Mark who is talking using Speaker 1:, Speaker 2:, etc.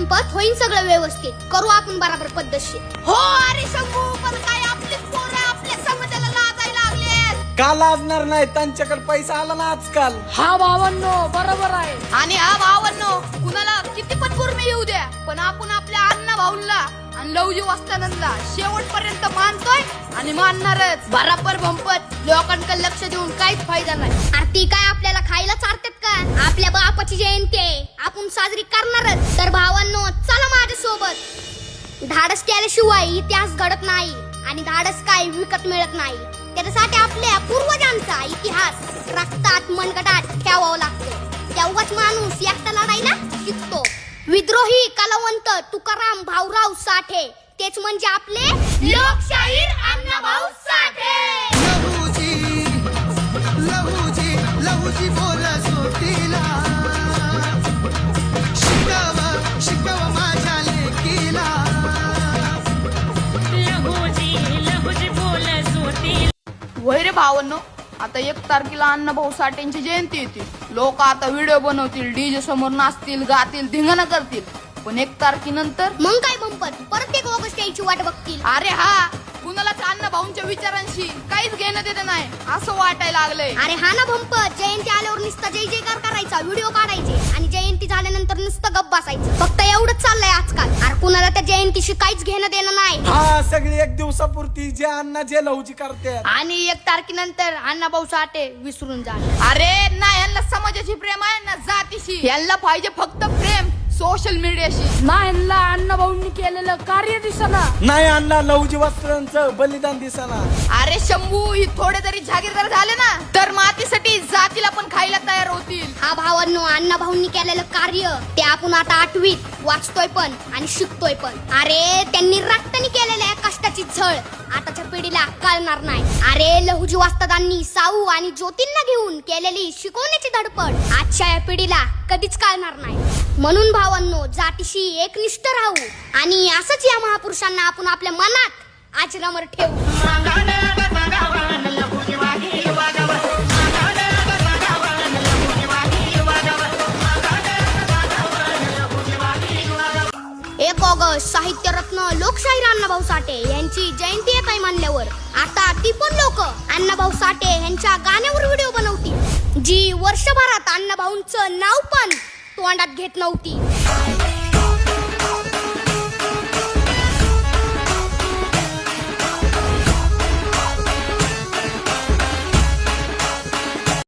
Speaker 1: भंपत होईन सगळं व्यवस्थित, करू आपण बराबर पद्धतशीर. हो अरे शंभू, पण काय आपलीच पोरं आपल्या समाजाला लाजायला लागले.
Speaker 2: का लाजणार नाही, त्यांच्याकडे पैसा आला ना आजकाल.
Speaker 3: हा भावांनो बरोबर आहे.
Speaker 1: आणि हा भावांनो, कुणाला किती पण कुर्मी येऊ द्या, पण आपण आपल्या अण्णा भाऊला आणि लवजी वस्तादांना शेवटपर्यंत मानतोय आणि मानणारच. बराबर भंपत, लोकांकडे लक्ष देऊन काहीच फायदा नाही. अरे ती काय आपल्याला खायला चारतात का? आपल्या बापाची जयंती आहे, आपण साजरी करणारच. तर भावांनो चला माझ्या सोबत. धाडस केल्याशिवाय इतिहास घडत नाही आणि धाडस काय विकत मिळत नाही. त्याच्यासाठी आपल्या पूर्वजांचा इतिहास रक्तात मनगटात ठेवावा लागतो. तेव्हाच माणूस एकटा लढायला शिकतो. विद्रोही कलावंत तुकाराम भाऊराव साठे, तेच म्हणजे आपले लोकशाहीर अण्णाभाऊ साठे.
Speaker 4: लहूजी बोला सोटीला, शिकव माझ्या लेकीला.
Speaker 3: लहूजी बोला सोटीला.
Speaker 5: वय रे भावांनो, आता 1 तारखेला अण्णाभाऊ साठेंची जयंती येते. लोक आता व्हिडिओ बनवतील, डीजे समोर नाचतील, गातील, धिंगाणा करतील. पण 1 तारखेनंतर
Speaker 1: मग काय बंपत, परत 1 ऑगस्ट यायची वाट बघतील.
Speaker 5: अरे हा, कुणालाच अण्णाभाऊंच्या विचारांशी काहीच घेणं देणं नाही असं वाटायला लागलंय.
Speaker 1: अरे हा ना भंपत, जयंती आल्यावर नुसतं जय जयकार करायचा, व्हिडिओ काढायचे आणि जयंती झाल्यानंतर नुसतं गप्प बसायचं. फक्त एवढंच चाललंय आजकाल. अरे कुणाला त्या जयंतीशी काहीच घेणं देणं नाही.
Speaker 2: हा, सगळी 1 दिवसापुरती जे अण्णा जे लवजी करते.
Speaker 5: आणि 1 तारखेनंतर अण्णाभाऊ साठे विसरून जा. अरे ना, यांना समाजाची प्रेम आहे ना जातीशी. यांना पाहिजे फक्त प्रेम सोशल मीडियाशी.
Speaker 3: ना ह्यांना अण्णाभाऊंनी केलेलं कार्य दिसना.
Speaker 2: नाही अण्णा लवजी वस्त्रांचं बलिदान दिसना.
Speaker 5: अरे शंभू, ही थोडे तरी जागीरदार झाले ना तर मातीसाठी जातीला पण खायला तयार होतील.
Speaker 1: हा भावांनो, अण्णा भाऊंनी केलेलं कार्य ते आपण आता 8वीत वाचतोय पण आणि शिकतोय पण. अरे त्यांनी रक्तानी केलेल्या कष्टाची झळ आताच्या पिढीला कळणार नाही. अरे लहुजी वस्तादांनी साऊ आणि ज्योतींना घेऊन केलेली शिकवण्याची धडपड आजच्या या पिढीला कधीच कळणार नाही. म्हणून भावांनो, जातीशी एकनिष्ठ राहू आणि असंच या महापुरुषांना आपण आपल्या मनात आचरणावर ठेवू. एक ऑगस्ट साहित्यरत्न लोकशाहीर अण्णाभाऊ साठे यांची जयंती येत आहे मानल्यावर आता ती पण लोक अण्णाभाऊ साठे यांच्या गाण्यावर व्हिडिओ बनवतील, जी वर्षभरात अण्णाभाऊंचं नाव पण तोंडात घेत नव्हती.